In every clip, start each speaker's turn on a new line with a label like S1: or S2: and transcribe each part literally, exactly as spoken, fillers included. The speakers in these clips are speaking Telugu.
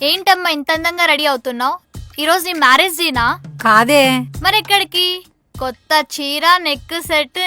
S1: ఏంటమ్మా ఇంత అందంగా రెడీ అవుతున్నావు? ఈరోజు నీ మ్యారేజ్ డేనా?
S2: కాదే.
S1: మరి ఎక్కడికి? కొత్త చీర, నెక్ సెట్.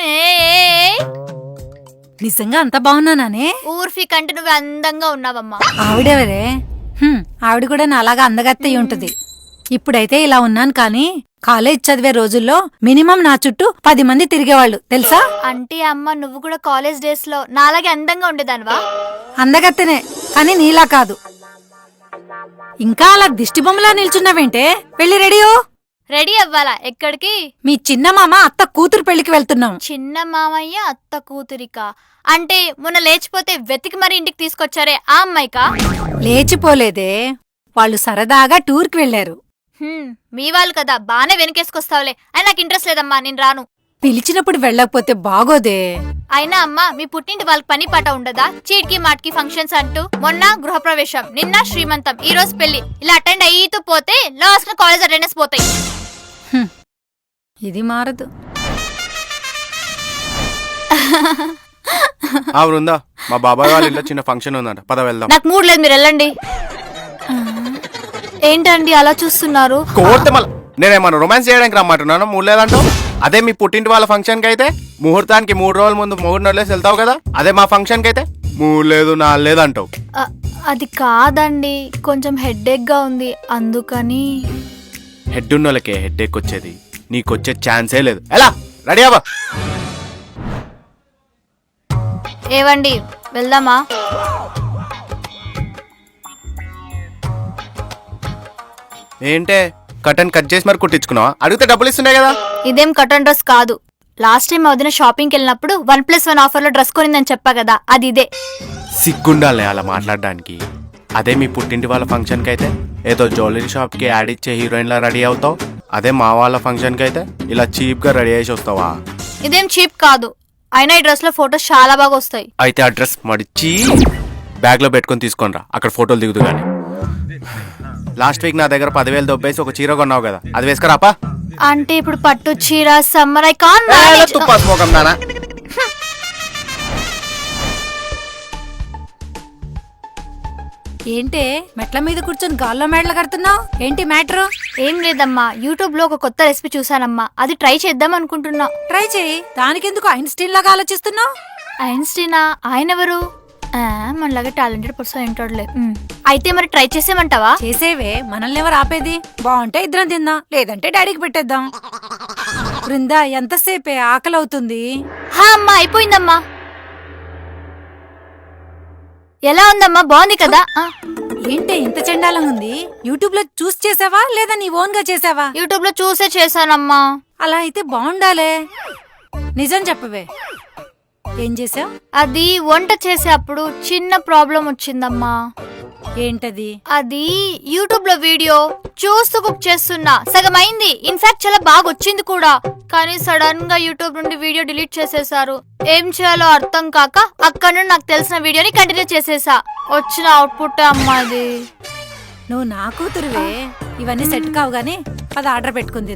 S2: నిజంగా అంత బాగున్నానే?
S1: ఊర్ఫీ కంటే నువ్వు అందంగా ఉన్నావమ్మా.
S2: ఆవిడెవరే? ఆవిడ కూడా నాలాగా అందగత్తయి ఉంటది. ఇప్పుడైతే ఇలా ఉన్నాను కానీ కాలేజ్ చదివే రోజుల్లో మినిమం నా చుట్టూ పది మంది తిరిగేవాళ్ళు తెలుసా?
S1: అంటే అమ్మ నువ్వు కూడా కాలేజ్ డేస్ లో నాలాగే అందంగా ఉండేదానివా?
S2: అందగత్తెనే కానీ నీలా కాదు. ఇంకా అలా దిష్టి బొమ్మలా నిల్చున్నావేంటే? వెళ్ళి రెడీయో.
S1: రెడీ అవ్వాలా? ఎక్కడికి?
S2: మీ చిన్న మామ అత్త కూతురు పెళ్లికి వెళ్తున్నాం.
S1: చిన్న మామయ్య అత్త కూతురికా? అంటే మొన్న లేచిపోతే వెతికి మరి ఇంటికి తీసుకొచ్చారే ఆ అమ్మాయికా?
S2: లేచిపోలేదే, వాళ్ళు సరదాగా టూర్కి వెళ్లారు.
S1: మీ వాళ్ళు కదా, బానే వెనకేసుకొస్తావులే. అయినా నాకు ఇంట్రెస్ట్ లేదమ్మా, నేను రాను.
S2: పిలిచినప్పుడు వెళ్ళకపోతే బాగోదే.
S1: అయినా అమ్మా మీ పుట్టింటి వాళ్ళకి పని పాట ఉండదా? చీటికి మాటికి ఫంక్షన్స్ అంటూ. మొన్న గృహప్రవేశం, నిన్న శ్రీమంతం, ఈ రోజు పెళ్లి. ఇలా అటెండ్ అయ్యితూ పోతే లాస్ట్ కాలేజ్ అటెండెన్స్ పోతాయి.
S2: ఇది మారదు.
S3: బృందా, మా బాబాయ్ వాళ్ళ ఇంట్లో చిన్న ఫంక్షన్ ఉందంట, పద వెళ్దాం.
S1: నాకు మూడ్ లేదు, మీరు వెళ్ళండి. ఏంటండి అలా చూస్తున్నారు?
S3: కోర్తే మళ్ళీ నేనేమన్నా రొమాన్స్ చేయడానికి రమ్మంటున్నాను, మూడు లేదంటావు. అదే మీ పుట్టింటి వాళ్ళ ఫంక్షన్ కి అయితే ముహూర్తానికి మూడు రోజుల ముందు మూడు నెలలేసి వెళ్తావు కదా. అదే మా ఫంక్షన్ కి అయితే మూడు లేదు నాలుగు లేదు అంటావు.
S1: అది కాదండి, కొంచెం హెడ్ గా ఉంది అందుకని.
S3: హెడ్ ఉన్న వాళ్ళకే హెడ్ ఎక్ వచ్చేది, నీకు వచ్చే ఛాన్సే లేదు. ఎలా రెడీ అవ్వ.
S1: ఏవండి వెళ్దామా?
S3: ఏంటే కటన్ కట్ చేసి మరి కుట్టించుకున్నావా? అడిగితే డబ్బులు ఇస్తుండే కదా.
S1: ఇదేం కటన్ డ్రెస్ కాదు. లాస్ట్ టైం వదిన షాపింగ్కి వెళ్ళినప్పుడు వన్ ప్లస్ వన్ ఆఫర్ లో డ్రెస్ కొనిందని చెప్పా కదా, అది ఇదే.
S3: సిగ్గుండాలి అలా మాట్లాడడానికి. అదే మీ పుట్టింటి వాళ్ళ ఫంక్షన్ కి అయితే ఏదో జ్యువెలరీ షాప్ కి యాడ్ ఇచ్చే హీరోయిన్ లా రెడీ అవుతావు. అదే మా వాళ్ళ ఫంక్షన్ కి అయితే ఇలా చీప్ గా రెడీ చేసి వస్తావా?
S1: ఇదేం చీప్ కాదు, అయినా ఈ డ్రెస్ లో ఫోటోస్ చాలా బాగా వస్తాయి.
S3: అయితే ఆ డ్రెస్ మడిచి బ్యాగ్ లో పెట్టుకుని తీసుకొని రా, అక్కడ ఫోటోలు దిగుదు గానీ. లాస్ట్ వీక్ నా దగ్గర పదివేలు దొబ్బేసి ఒక చీర కొన్నావు కదా, అది వేసుకురాపా.
S1: అంటే ఇప్పుడు పట్టు చీర సమ్మర్ ఐ కాన్
S3: తుప్పాస్మోకం దానా.
S2: ఏంటే మెట్ల మీద కూర్చొని గాల్లో మేడలు కడుతున్నావు? ఏంటి మ్యాటర్?
S1: ఏం లేదమ్మా, యూట్యూబ్ లో ఒక కొత్త రెసిపీ చూసానమ్మా, అది ట్రై చేద్దాం అనుకుంటున్నా.
S2: ట్రై చేయి. దానికెందుకు ఐన్స్టీన్ లాగా ఆలోచిస్తున్నావు?
S1: ఐన్స్టీనా? ఆయన ఎవరు? మనలాగా టాలెంటెడ్ పర్సన్ ఏంటోడ్లే. అయితే మరి ట్రై చేసేమంటావా?
S2: చేసేవే, మనల్ని ఎవరు ఆపేది? బాగుంటే ఇద్దరం తిందాం, లేదంటే డాడీకి పెట్టేద్దాం. బృందా ఎంతసేపే, ఆకలి అవుతుంది.
S1: హా అమ్మా, అయిపోయిందమ్మా. ఎలా ఉందమ్మా? బాగుంది కదా?
S2: ఏంటే ఇంత చెండాలంగా ఉంది? యూట్యూబ్ లో చూసి చేసావా లేదా నీ ఓన్ గా చేసావా?
S1: యూట్యూబ్ లో చూసే చేశానమ్మా.
S2: అలా అయితే బాగుండాలే. నిజం చెప్పవే, ఏం చేసావు?
S1: అది వంట చేసే అప్పుడు చిన్న ప్రాబ్లం వచ్చిందమ్మా.
S2: ఏంటది?
S1: అది యూట్యూబ్ లో వీడియో చూస్తూ కుక్ చేస్తున్నా, సగం అయింది. ఇన్ఫాక్ట్ చాలా బాగా వచ్చింది కూడా, కానీ సడన్ గా యూట్యూబ్ నుండి వీడియో డిలీట్ చేసేసారు. ఏం చేయాలో అర్థం కాక అక్కడ నుండి నాకు తెలిసిన వీడియోని కంటిన్యూ చేసేసా. వచ్చిన అవుట్పుట్ అమ్మా ఇది.
S2: నువ్వు నా కూతురువే, ఇవన్నీ సెట్ కావు గానీ పద ఆర్డర్ పెట్టుకుంది.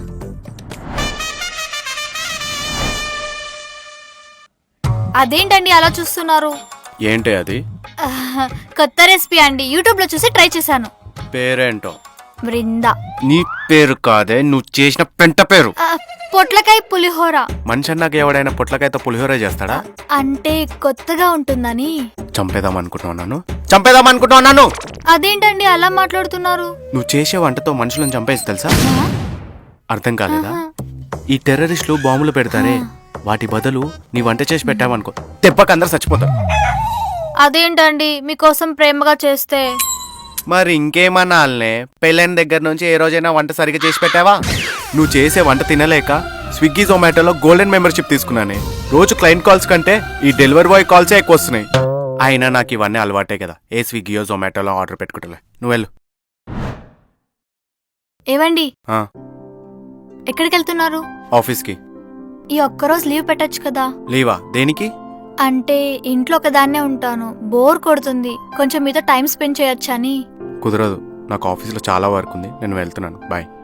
S1: అదేంటండి అలా చూస్తున్నారు?
S3: ఏంటి అది?
S1: కొత్త రెసిపీ అండి, యూట్యూబ్ లో చూసి ట్రై చేశాను.
S3: పేరేంటో?
S1: బృందా.
S3: నీ పేరు కాదే, నువ్వు చేసిన పెంట పేరు.
S1: పొట్లకాయ పులిహోర.
S3: మనిషి నాకు ఎవడైనా పొట్లకాయతో పులిహోర చేస్తాడా?
S1: అంటే కొత్తగా ఉంటుందని.
S3: చంపేదాం అనుకుంటున్నాను చంపేదాం అనుకుంటున్నాను
S1: అదేంటండి అలా మాట్లాడుతున్నారు?
S3: నువ్వు చేసే వంటతో మనుషులను చంపేసి తెలుసా? అర్థం కాలేదా? ఈ టెర్రరిస్టులు బాంబులు పెడతారే, వాటి బదులు నీ వంట చేసి పెట్టావనుకో, దెబ్బకి అందరు చచ్చిపోతారు.
S1: అదేంటండి మీకోసం ప్రేమగా చేస్తే?
S3: మరి ఇంకేమన్నాలనే, పెళ్ళైన దగ్గర నుంచి ఏ రోజైనా వంట సరిగ్గా చేసి పెట్టావా? నువ్వు చేసే వంట తినలేక స్విగ్గీ జొమాటోలో గోల్డెన్ మెంబర్షిప్ తీసుకున్నానే. రోజు క్లయింట్ కాల్స్ కంటే ఈ డెలివరీ బాయ్ కాల్సే ఎక్కువ వస్తున్నాయి. అయినా నాకు ఇవన్నీ అలవాటే కదా, ఏ స్విగ్గీయో జొమాటోలో ఆర్డర్ పెట్టుకుంటలే. నువ్వు వెళ్ళు.
S1: ఏవండి ఎక్కడికి వెళ్తున్నారు?
S3: ఆఫీస్కి.
S1: ఈ ఒక్కరోజు లీవ్ పెట్టచ్చు కదా?
S3: లీవా? దేనికి?
S1: అంటే ఇంట్లో ఒకదాన్నే ఉంటాను, బోర్ కొడుతుంది, కొంచెం మీతో టైం స్పెండ్ చేయొచ్చని.
S3: కుదరదు, నాకు ఆఫీస్లో చాలా వర్క్ ఉంది, నేను వెళ్తున్నాను. బాయ్.